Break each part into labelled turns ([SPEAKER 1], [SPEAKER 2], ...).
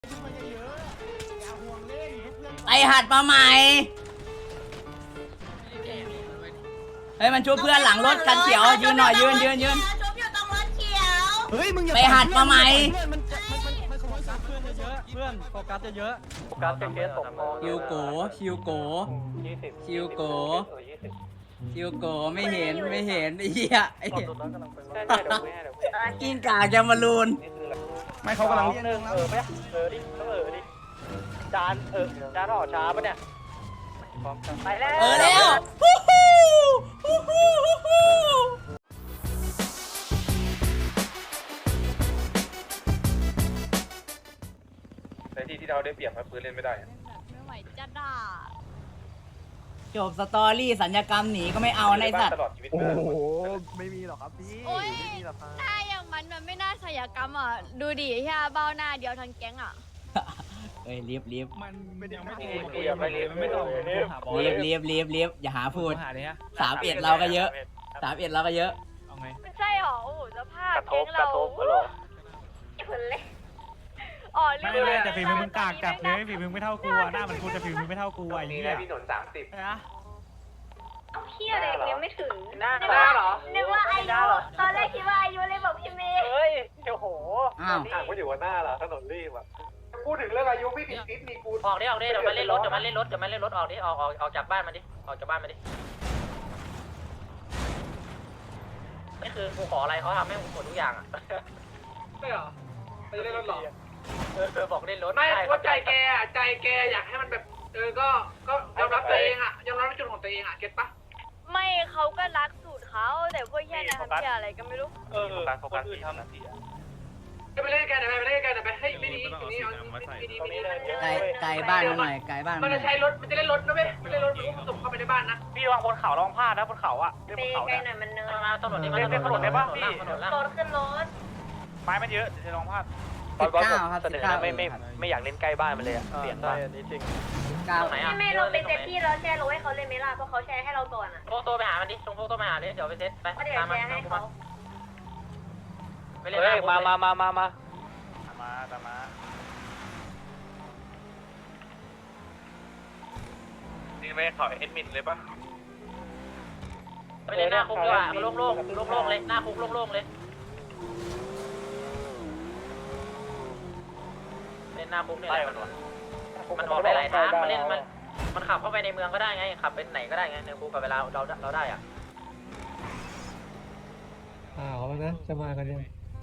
[SPEAKER 1] ไอหัดมาใหม่เฮ้ยมันช่วยเพื่อนหลังรถกันเขียวยืนหน่อยยืน
[SPEAKER 2] ชุบอยู่ตรงรถเขียว
[SPEAKER 3] เฮ้ยมึงอย่า
[SPEAKER 1] ไปหัดมาใหม่
[SPEAKER 3] มันขโมยซับเพื่อนเยอะเพื่อนโฟกัสเยอะโฟกัสเคสตกมอ
[SPEAKER 1] ชิวโกชิวโกชิวโกชิวโกไม่เห็นไอ้เหี้ยไอ้เหี้ยกิ้งก่าจะมาลูน
[SPEAKER 3] ไม่เขากำลังเรียน
[SPEAKER 4] ดิจานจานห่อช้าปะเนี่ยไปแล้ว
[SPEAKER 1] แล้วฮู้ฮู้ฮู้ฮู้ฮู้
[SPEAKER 5] ในที่เราได้เปรียบครับปืนเล่นไม่ได้
[SPEAKER 2] ไม่ไหวจะด่า
[SPEAKER 1] จบสตอรี่สัญญกรรมหนีก็ไม่เอาในสัตว์
[SPEAKER 5] ตลอดชีวิต
[SPEAKER 3] โอ้โหไม่มีหรอกครับพี่ไม่มีหรอกครับ
[SPEAKER 2] ถ้าอย่างมันไม่น่าศัลยกรรมอ่ะดูดิแค่เบ้าหน้าเดียวทั้งแก๊งอ่ะ
[SPEAKER 1] เอ้ยรีบ
[SPEAKER 3] มันยังไม่
[SPEAKER 5] กูยังไม่เล่นไม่ต้อง
[SPEAKER 1] รีบอย่าหาพูด
[SPEAKER 3] หาเลยฮะ
[SPEAKER 1] 31เราก็เยอะ31เราก็เยอะ
[SPEAKER 3] เอาไง
[SPEAKER 2] ไม่ใช่หรอโอ้โหสภาพ
[SPEAKER 4] กระท
[SPEAKER 2] แก๊
[SPEAKER 4] บ
[SPEAKER 2] ง
[SPEAKER 4] ก
[SPEAKER 2] เรา
[SPEAKER 4] ระทบก็หรอ
[SPEAKER 2] คนเล่นอ๋อ
[SPEAKER 6] ไม่เลยแต่ฝีมือมึงกากจัดเลยฝีมือไม่เท่ากูอ่ะหน้ามันกูจะฝีมือไม่เท่ากูไอ้
[SPEAKER 5] นี่
[SPEAKER 6] เหี้ย
[SPEAKER 5] นะพี่หนน30
[SPEAKER 6] นะ
[SPEAKER 2] เที่ยอะไรยังไม่ถึง
[SPEAKER 4] หน้าเหรอ
[SPEAKER 2] นึกว่าอายุตอนแรกคิดว่าอายุเลยบอกพี่เมย์
[SPEAKER 4] เฮ้ยโอ้โห
[SPEAKER 1] อ้าว
[SPEAKER 5] ห่างก็อยู่ว่าหน้าเหรอถนนรีบอ่ะพูดถึงเรื่องอายุพี่ติดติดมีกู
[SPEAKER 4] ออกดิเดี๋ยวมันเล่นรถออกดิออกจากบ้านมาดิออกจากบ้านมาดินี่คือกูขออะไรเขาทำให้กูหมดทุกอย่างอ่ะ
[SPEAKER 5] ไม่เหรอไม่ได้เล่นรถหรอ
[SPEAKER 4] บอกเล่นรถ
[SPEAKER 7] ไม่ว่าใจแกอะใจแกอยากให้มันแบบก็ยอมรับตัวเองอะยอมรับในจุดของตัวเองอะเก็ตปะ
[SPEAKER 2] ไม่เขาก็รักสูตรเขาแต่พวกแย่นะทำเที่ยอะไรก็ไม่รู้
[SPEAKER 5] คนอื่นทำหน้าที่
[SPEAKER 7] ไปเล่นกันไปเล่นกันไปให้ไม่ดีตรงนี้ไม่ดี
[SPEAKER 1] ไกลบ้านหน่อยไกลบ้านห
[SPEAKER 7] มัน
[SPEAKER 1] น่อ
[SPEAKER 7] จะ
[SPEAKER 1] ย
[SPEAKER 7] ใช้รถมันจะเล่นรถนะเว้ยไม่เล่นรถมันก็ส่งเข้าไปในบ้านนะ
[SPEAKER 4] พี่วางบนเขาลองพลาดนะบนเขาอ่ะ
[SPEAKER 2] ไปไกลหน่อยมันเนิน
[SPEAKER 4] มาถนนนี้มาถนนได้ปะพี่ถนนล่าง
[SPEAKER 2] รถขึ้นรถ
[SPEAKER 6] ไม้มันเยอะจะลองพลาด
[SPEAKER 1] 19ครับ
[SPEAKER 4] ไม่อยากเล่นใกล้บ้านมันเลยอ่ะเปลี่ยนบ้านนี้จริง
[SPEAKER 1] 19
[SPEAKER 4] ไหนอ่ะ
[SPEAKER 2] ไม่เราไปเซตที่แล้วแชร์รถให้เขาเลยไหมล่ะเพราะเขาแชร์ให้เราก่อนอ่ะ
[SPEAKER 4] โตไปหามันดิส่งโตไปหาเลยเดี๋ยวไปเซตไป
[SPEAKER 2] ก็เดี๋ยว
[SPEAKER 4] ตาม
[SPEAKER 2] แช
[SPEAKER 4] มา
[SPEAKER 2] ร์ให้เขา
[SPEAKER 4] ไปเล่นมา
[SPEAKER 6] ตามมา
[SPEAKER 5] นี่ไม่เขาเอ็ดมินเลยปะ
[SPEAKER 4] ไปเล่นหน้าคุกดีกว่าโล่งเลยหน้าคุกโล่งเลยเล่นหน้าคุกเนี่ยมันออกได้หลายทางมันเล่นมันขับเข้าไปในเมืองก็ได้ไงขับไปไหนก็ได้ไงในคุกกับเวลาเราได้อ่ะ
[SPEAKER 8] เขานะจะมากันยัง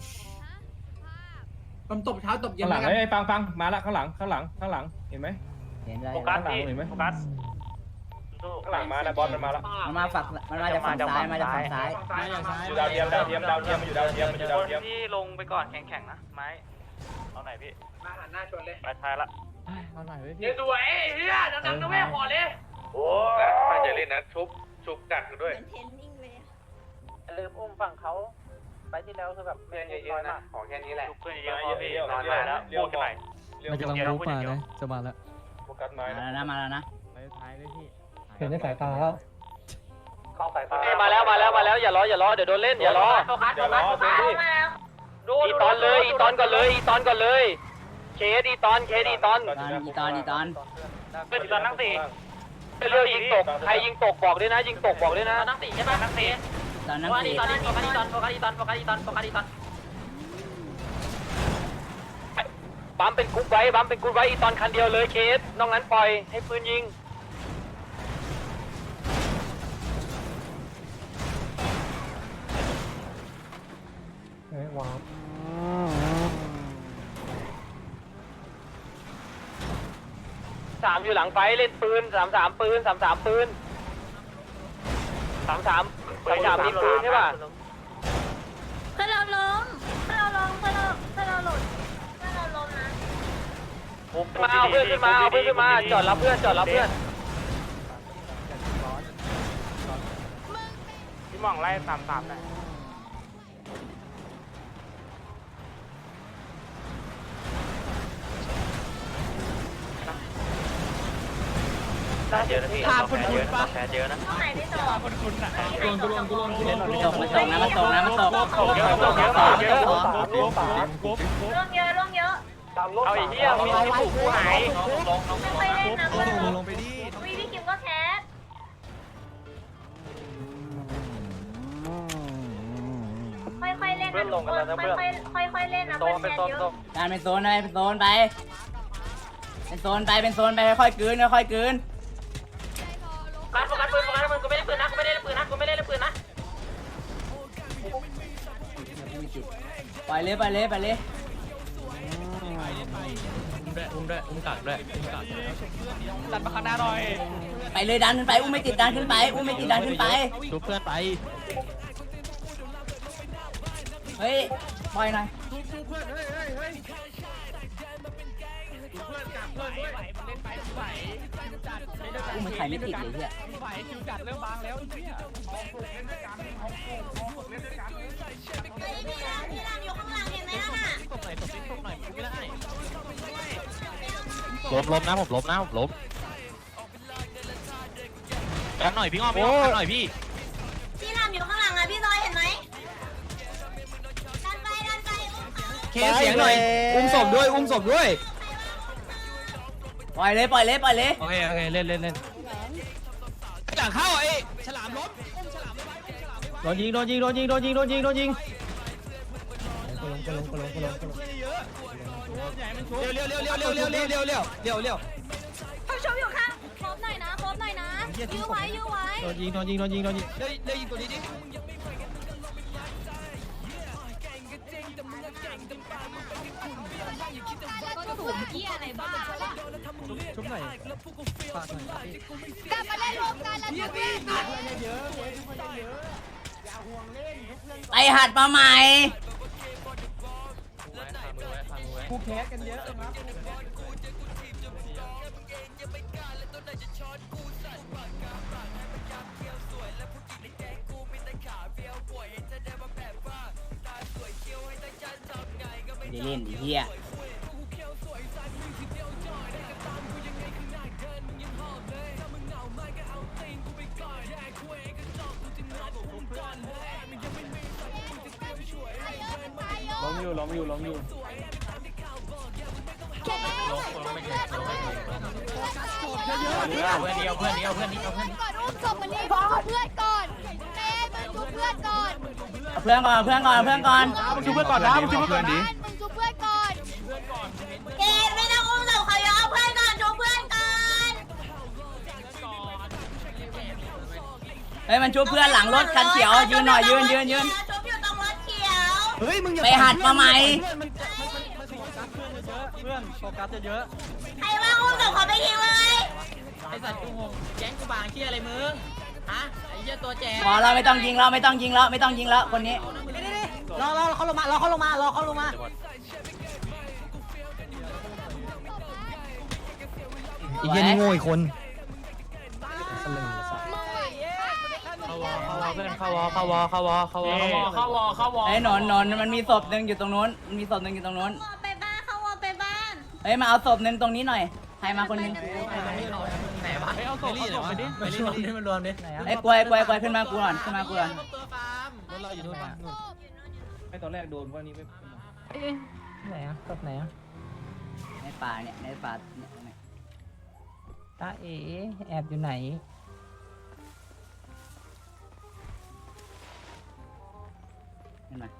[SPEAKER 7] มันตบเช้าตบเย็
[SPEAKER 8] ข้าน งหลังไอ้ฟังมาละข้างหลังเห็นไหม
[SPEAKER 1] เห็นแล้ว
[SPEAKER 6] โฟกัส
[SPEAKER 8] ข้างหลัง
[SPEAKER 6] พี่
[SPEAKER 8] เห็นไหม
[SPEAKER 6] โฟกัส
[SPEAKER 5] ข้างหลังมาแล้วบอลมันมาแล้ว
[SPEAKER 1] มันมาจากฝั่งซ้ายมาจากฝั่งซ้าย
[SPEAKER 5] อยู่ดาวเทียมมันอยู่ดาวเทียม
[SPEAKER 6] ที่ลงไปก่อนแข็งๆนะไม้เอาไหนพี่
[SPEAKER 7] มาหันหน้าชนเลย
[SPEAKER 6] ไปท้ายละ
[SPEAKER 8] เอาหน่อยเว้ย
[SPEAKER 7] เดี๋ยวสวยเฮียดังๆนะแม่ขอเลย
[SPEAKER 5] โอ้ไม่จะเล่นนะชุบกัดกันด้วย
[SPEAKER 2] เทนนิ่งเลย
[SPEAKER 4] ลืมอุ้มฝั่งเขาไปที่แล้วคือแบบ
[SPEAKER 5] เล่นเยอะๆนะขอแค่นี้แหละ
[SPEAKER 6] ทุกเพื่อนเยอะพอพี่นอนมาแล้วพูดกันใหม่
[SPEAKER 8] มันกำลังรู้ป่านะจะมาแล้ว
[SPEAKER 5] โฟกัสไม้
[SPEAKER 1] มาแล้วนะ
[SPEAKER 8] ไปท้ายด้วยพี่เห็นในสายตาแล้ว
[SPEAKER 5] เข้าสายตา
[SPEAKER 4] มาแล้วอย่ารอเดี๋ยวโดนเล้โฟกัส
[SPEAKER 5] อย่ารอเซฟี่
[SPEAKER 2] มาแล้ว
[SPEAKER 4] อีตอนก่อนเลยเคสอีตอน
[SPEAKER 1] อีตอน
[SPEAKER 4] เพื่อนอีตอนนั่งสี่เร็วยิงตกใครยิงตกบอกด้วยนะนั่งสี่ใช่ปะนั่งสี่
[SPEAKER 1] ตอนนั้น
[SPEAKER 4] โฟกัส
[SPEAKER 1] สี่
[SPEAKER 4] อีตอนบัมเป็นกุ๊กไว้อีตอนคันเดียวเลยเคสนอกนั้นปล่อยให้ปืนยิง
[SPEAKER 8] เฮ้ยว้าว
[SPEAKER 4] 3อยู่หลังไฟเล่นปืน33ปืน33ปืน33มีปืนใช่ป่ะ
[SPEAKER 2] เพื่อนเราล้มเพื่อนเราหลุดเพื่อนเราล้มนะ
[SPEAKER 4] มาเอาเพื่อนขึ้นมาจอดรับเพื่อน
[SPEAKER 6] พี่มองไล่ตามหน่อย
[SPEAKER 4] เยอะนะพี่
[SPEAKER 6] ภาพคุณปะ
[SPEAKER 4] แพ้เยอะนะ
[SPEAKER 2] ตรงไหนที่ต่อ
[SPEAKER 6] คุณอ่ะ
[SPEAKER 1] มันตกนะ
[SPEAKER 6] เยอะ
[SPEAKER 2] ล่วงเยอะ
[SPEAKER 3] เอาไอ้เหี้ยมีผูกกูหาย
[SPEAKER 2] ค่อยๆเล่นนะเพื่อน
[SPEAKER 6] ลงไปดิ
[SPEAKER 2] วิพี่กิมก็แคสค่อยๆเล่นนะทุกคนค่อยๆเล่นนะเพื่อนแคสเยอะ
[SPEAKER 1] การเป็นโซนไปเป็นโซนไปเป็นโซนไปเป็นโซนไปค่อยๆกลืนค่อยๆกลืน
[SPEAKER 4] การโฟกัสปืนกูไม่ได้ปืนนะกูไม่ได้ปืนนะกูไม่ได้ปืนนะ
[SPEAKER 1] ปล่อยเลยปล่อยเลยปล่อยเลย
[SPEAKER 3] ดันมาข้างหน้าหน่อย
[SPEAKER 1] ไปเลยดันขึ้นไปอุ้มไม่ติดดันขึ้นไปอุ้มไม่ติดดันขึ้นไป
[SPEAKER 3] ดูเพื่อนไป
[SPEAKER 1] เฮ้ยปล่อยหน่อยอุ้มมันไข่ไม่ติดเลยเฮีย
[SPEAKER 3] ไหวคิวจัดเริ่มบางแล้วไอ้เหี้ย
[SPEAKER 2] พี่รามอยู่ข้างหลังเห็นไหมล่ะ
[SPEAKER 3] ตบหน่อยตบนิดตบหน่อยไม่ได้
[SPEAKER 9] ล้มนะผมล้มนะผมล้มกันหน่อยพี่อ้อมพี่อ้อมกันหน่อยพี่
[SPEAKER 2] พี่รามอยู่ข้างหลังอ่ะพี่ซอยเห็นไหมดันไป
[SPEAKER 9] เคเสียงหน่อยอุ้มศพด้วยอุ้มศพด้วย
[SPEAKER 1] ปล่อยเลยปล่อยเลยปล่อยเลย
[SPEAKER 9] โอเคโอเคเล่นเล่นเล่นหลังเข้าไอ้ฉลามล้มโดนยิงโดนยิงโดนยิงโดนยิงโดนยิงโดนยิงเร็วเร็วเร็วเร็วเร็วเร็วเร็วเร็วเร็วเร็วเร็ว
[SPEAKER 2] เขาชมอยู่ข้างครบหน่อยนะครบหน่อยนะยื้อไว้ยื้อไว้
[SPEAKER 9] โดนยิงโดนยิงโดนยิงโดนยิงเร็วเร็วยิงตัวนี้ดิ
[SPEAKER 2] ก็ถูกเกี้ยอะไรบ้า
[SPEAKER 8] ชุบหน่อยฝากหน่อย
[SPEAKER 2] กลับมาเล่นรวมกันแล้วจะวิ่ง
[SPEAKER 1] ไปหัดมาใหม่
[SPEAKER 8] กูแคสกันเยอะนะ
[SPEAKER 1] ไม่ได้เล่นไอ้เฮีย
[SPEAKER 8] ล้มอยู่ล้มอยู่ล้มอยู่
[SPEAKER 9] เพื่อนนี้เอาเพื่อนนี้เอาเพื่อนนี้เอาเพื่อนนี้
[SPEAKER 2] ก่อนอุ้มศพมันนี่บอกเพื่อนก่อนเต้มันชุบเพื่อนก่อน
[SPEAKER 1] เอาเพื่อนก่อนเอาเพื่อนก่อนเอาเพื่อนก่อน
[SPEAKER 6] มึงชูเพื่อนก่อนนะมึงชูเพื่อนก่อนดิ
[SPEAKER 2] มึงชุบเพื่อนก่อนเกดไม่ต้องอุ้มศพเขายเอาเพื่อนก่อนชุบเพื่อนก่อน
[SPEAKER 1] เฮ้ยมันชุบเพื่อนหลังรถคันเขียวยืนหน่อยยืนยืนยืน
[SPEAKER 2] ชุบอยู่ตรงรถเขียว
[SPEAKER 9] เฮ้ยมึงอย่า
[SPEAKER 1] ไปหัดมาใหม่
[SPEAKER 3] เพื่อนโฟกัสเยอะ
[SPEAKER 2] ใครว่าอุ้มศพเขาไปทิ้งเลย
[SPEAKER 4] ไอสัตว์กูงงแก๊งกูบางเชี่ยอะไรมึงฮะไอ้เหี้ยตัวแจก
[SPEAKER 1] พอเราไม่ต้องยิงแล้วไม่ต้องยิงแล้วไม่ต้องยิงแล้วคนนี้
[SPEAKER 4] รอเขาลงมารอเขาลงมารอเขาลงมา
[SPEAKER 9] อีกเย็นนี่โง่อีกคน
[SPEAKER 1] ไอ้หนอนมันมีศพหนึ่งอยู่ตรงนู้นมันมีศพหนึ่งอยู่ตรงนู้น
[SPEAKER 2] ไปบ้านเขาวอไปบ้าน
[SPEAKER 1] เฮ้ยมาเอาศพหนึ่งตรงนี้หน่อยใครมาคนหนึง
[SPEAKER 4] ไหนวะ
[SPEAKER 3] ๆเอาศพไปดิไปรวมดิมันรวมดิ
[SPEAKER 1] ไอ้กล้วยขึ้นมากูก่อนขึ้นมากูก่อน
[SPEAKER 4] ตัวฟาร์ม
[SPEAKER 3] รถเราอยู่นู่นป่ะนู่น
[SPEAKER 8] ไม่ตอนแรกโดนพวกนี้ไม่ไหนอ่ะศพไหนอ่ะ
[SPEAKER 1] ในป่าเนี่ยในป่าเนี่ยตรงไหน
[SPEAKER 8] ตาเอ๋แอบอยู่ไหน
[SPEAKER 1] ขึ้นมา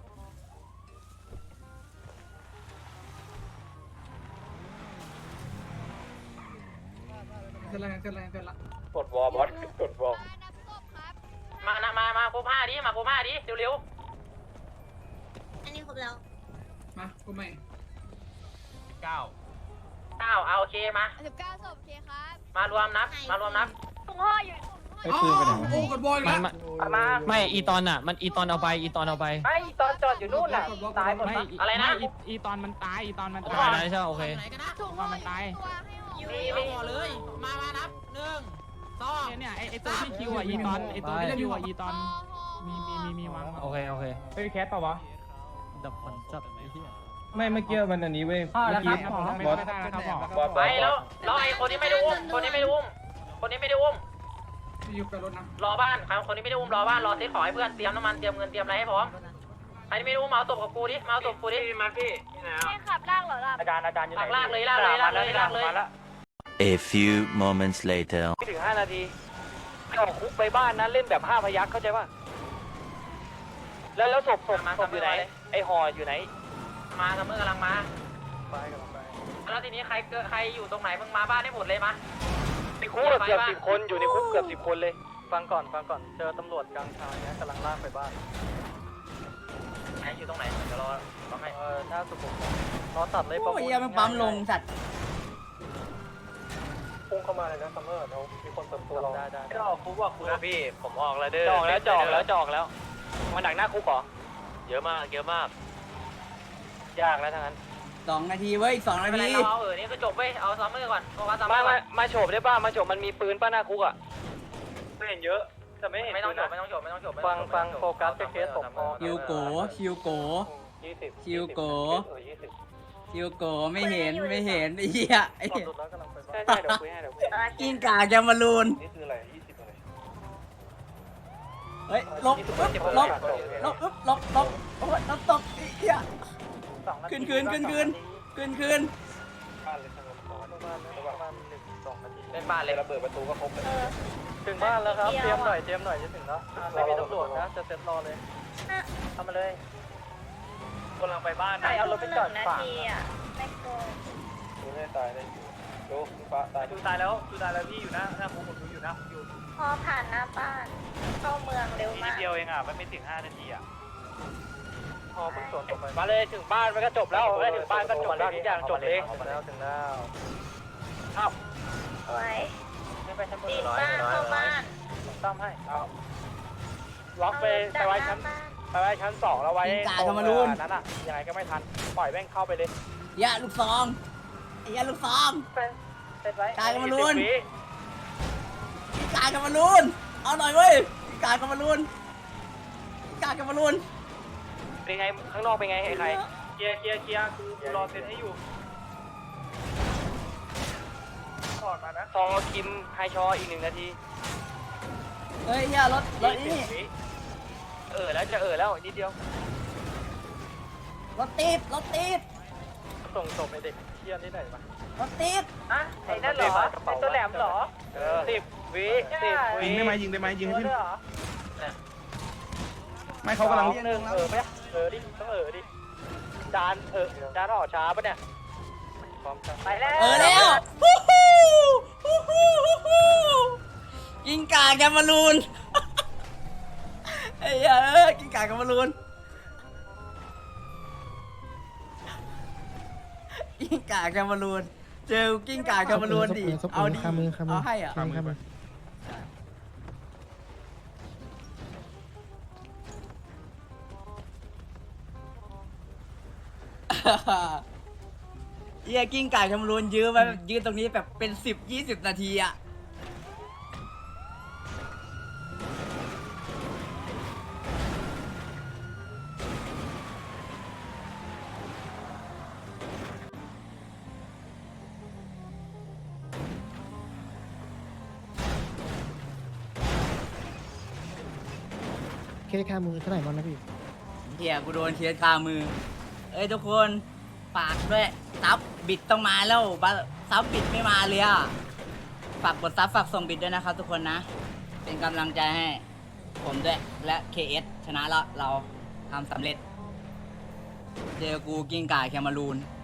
[SPEAKER 7] เกินละ
[SPEAKER 5] กดวอลบอสกดวอล
[SPEAKER 4] มาโคผ้าดิมาโคผ้าดิเร็ว
[SPEAKER 2] อันนี้ครบแล้ว
[SPEAKER 7] มากูใหม่
[SPEAKER 4] ๆเอาโอเคมา
[SPEAKER 2] 19ศพเคครับ
[SPEAKER 4] มารวมนับ
[SPEAKER 2] ถุงห่ออยู่
[SPEAKER 8] ไอ้ปืนไปไหนวะ
[SPEAKER 7] โอ้กดบอลแล้ว
[SPEAKER 9] ไม่อีตอนอ่ะมันอีตอนเอาไปอีตอนเอาไป
[SPEAKER 4] ไอ้ตอนจอดอยู่นู่นน่ะตายหมดอะไรนะ
[SPEAKER 6] อีตอนมันตายอีตอนมัน
[SPEAKER 9] ได้
[SPEAKER 6] ตาย
[SPEAKER 9] ได้ใช่โอเค
[SPEAKER 4] ไหนกันนะ
[SPEAKER 2] ถุงห่ออยู่ตัวให้ห่อ
[SPEAKER 4] มีเลยมานับ1 2
[SPEAKER 6] เนี่ยไอตัวที่คิวอ่ะอีตอนไอตัวที่คิวอ่ะอีตอนมีวาง
[SPEAKER 9] โอเคโอเค
[SPEAKER 8] เฮ้ยแคสป่าวะ
[SPEAKER 3] ดับฝันจับไอ้เหี้ย
[SPEAKER 8] ไม่เมื่อกี้มันอันนี้เว้ยเมื่อกี้
[SPEAKER 6] ไม่
[SPEAKER 8] บอส
[SPEAKER 6] ได้นะครับหมอ
[SPEAKER 5] บอส
[SPEAKER 4] ไปแล้วรอไอ้คนนี้ไม่ได้อุ้มคนนี้ไม่ได้อุ้ม
[SPEAKER 7] อยู่กับรถนะ
[SPEAKER 4] รอบ้านคนนี้ไม่ได้อุ้มรอบ้านรอเซ็ตของให้เพื่อนเตรียมน้ำมันเตรียมเงินเตรียมอะไรให้พร้อมใครไม่รู้มาเอาศพกับกูดิมาเอาศพกูดิ
[SPEAKER 7] มาพี่นี่นะ
[SPEAKER 2] ให้ขับลากเหรอล่ะ
[SPEAKER 3] อาจารย์อยู่ไหน
[SPEAKER 4] ลากเลยลากเลยลากเลยลากเลย
[SPEAKER 3] มาแล้ว
[SPEAKER 10] A few moments later.
[SPEAKER 3] ไม่ถึง5 นาทีออกคุกไปบ้านนะเล่นแบบ5 พยัคฆ์เข้าใจป่ะแล้วศพอยู่ไหนไอห่ออยู่ไหน
[SPEAKER 4] มาซัมเมอร์กำลังมา
[SPEAKER 3] ไปกันไป
[SPEAKER 4] แล้วทีนี้ใครอยู่ตรงไหนมึงมาบ้านได้หมดเลยมา
[SPEAKER 3] ในคุกเกือบ10 คนอยู่ในคุกเกือบ10 คนเลยฟังก่อนเจอตำรวจกลางทางเนี่ยกำลังลากไปบ้าน
[SPEAKER 4] ไหนอยู่ตรงไหนเดี๋ยวรอให้
[SPEAKER 3] หน้าสุขุมรอตัดเลย
[SPEAKER 1] โอ้ยยังมันปั๊มลงสัตว์
[SPEAKER 5] พุ่งเข้ามาเลยนะซัมเมอร์เรามีคนเปิดตัวเรา
[SPEAKER 3] ได้
[SPEAKER 5] จะออกคุกว่าคุณ
[SPEAKER 3] พี่ผมออกแล้วเด้อจอกแล้วมาดักหน้าคุกเหรอเยอะมากยากแล้วทั้งนั้น
[SPEAKER 1] 2 นาทีเว้ยอีก 2 นา
[SPEAKER 4] ไม่เป็นไร
[SPEAKER 1] ที
[SPEAKER 4] เราเอานี่ก็จบเว้ยเอาซัมเมอร์ก่อนโฟกัสซัมเมอร์ก่อน
[SPEAKER 3] มาโฉบได้ป่ะมาโฉบมันมีปืนป้าหน้าคุกอ่ะ
[SPEAKER 5] ไม่เห็นเยอะแต่ไม่เห็น
[SPEAKER 4] ไม่ต้องจบไม่ต้องจบ
[SPEAKER 3] ฟังโฟกัสไปเคสผมพอ
[SPEAKER 1] ชิวโกชิวโก
[SPEAKER 5] 20
[SPEAKER 1] ชิวโก
[SPEAKER 5] 20
[SPEAKER 1] ชิวโกไม่เห็นไอ้เหี้ยไอ้เหี้ย
[SPEAKER 3] ใช่เดี๋ยวคุยให้
[SPEAKER 1] กิ้งก่าแกมารูน
[SPEAKER 5] นี่คืออะไร20อะไร
[SPEAKER 1] เฮ้ยลบโอ้ยลบตกไอ้เหี้ยขึ้น
[SPEAKER 5] บ้านเลยทั้งหมดประมาณ 1-2 นาที
[SPEAKER 4] เป็นบ้านเลย
[SPEAKER 5] ระเบิดประตูก็ครบเลย
[SPEAKER 3] ถึงบ้านแล้วครับเตรียมหน่อยจะถึงแล้วไม่มีตำรวจนะจะเซ็ตรอเลยทำมาเลยกำลังไปบ้านนะเอารถไปจอด
[SPEAKER 2] 1 นา
[SPEAKER 3] ฝั่ง
[SPEAKER 2] ทีอ่ะไม่เกิน
[SPEAKER 5] ดูให้ตายได้อยู่ดูฟ้าตาย
[SPEAKER 3] ดูตายแล้วพี่อยู่หน้าคุกผมอยู่นะอยู่
[SPEAKER 2] พอผ่านหน้าบ้านเข้าเมืองเร็ว
[SPEAKER 3] นิ
[SPEAKER 2] มา
[SPEAKER 3] ด
[SPEAKER 2] ก
[SPEAKER 3] เดียวเองอ่ะไม่ถึง5 นาทีอ่ะพอเพิ่งสวนไปมาเลยถึงบ้านมันก็จบแล้วถึงบ้านก็จบแล้วทุกอย่างจบเลยถึงแล้วอ้าว
[SPEAKER 2] ไว้
[SPEAKER 3] ไม่ไปชั้นบน
[SPEAKER 2] ติดบ้านเข้าบ้าน
[SPEAKER 3] ซ่อมให้เอาล็อกไปไว้ชั้น 2แล้วไว้นั้นอ่ะยังไงก็ไม่ทันปล่อยแม่งเข้าไปเลย
[SPEAKER 1] อย่าลูกซองไอ้เหี้ยลูกซอง
[SPEAKER 3] เสร็จไว้
[SPEAKER 1] กายกันมาลุ้น กายกันมารูนเอาหน่อยเว้ยกายกันมารูน
[SPEAKER 3] เป็นไงข้างนอกเป็นไงใครเคลียร์กูรอเซ็นให้อยู่ถอดมานะทอคิมไฮชออีก1 นาที
[SPEAKER 1] เฮ้ยอย่ารถนี่
[SPEAKER 3] แล้วจะแล้วนิดเดียว
[SPEAKER 1] รถติด
[SPEAKER 3] ส่งศพไอเด็กเชี่ยนี่ไหนมา
[SPEAKER 1] รถติด
[SPEAKER 3] อ่ะไอ้นั่นเหรอไอ้ตัวแหลมเหรอ10 วิยิงได้ไหมยิงให้พี่ไม่เขากำลังดิต้องจานออกช้าปะเนี่ยไปแล้ว
[SPEAKER 1] แล้วกินกาแกมารูนไอ้เหี้ยกินกาแกมารูนกิ้งก่าแกมารูนเจอกิ้งก่าแกมารูนดิเอาดิเอาให้อ่ะเหี้ยกิ้งก่าแกมารูนยื้อไว้ยื้อตรงนี้แบบเป็น10-20 นาทีอ่ะ
[SPEAKER 8] เคสค่ามือเท่าไหร่บ้างนะพี่
[SPEAKER 1] เหี้ยกูโดนเคสคามือเอ้ยทุกคนฝากด้วยซับบิดต้องมาแล้วซับบิดไม่มาเลยอ่ะฝากกดซับฝากส่งบิดด้วยนะครับทุกคนนะเป็นกำลังใจให้ผมด้วยและ KS ชนะแล้วเราทำสำเร็จเจอกูกิ้งก่าแคมารูน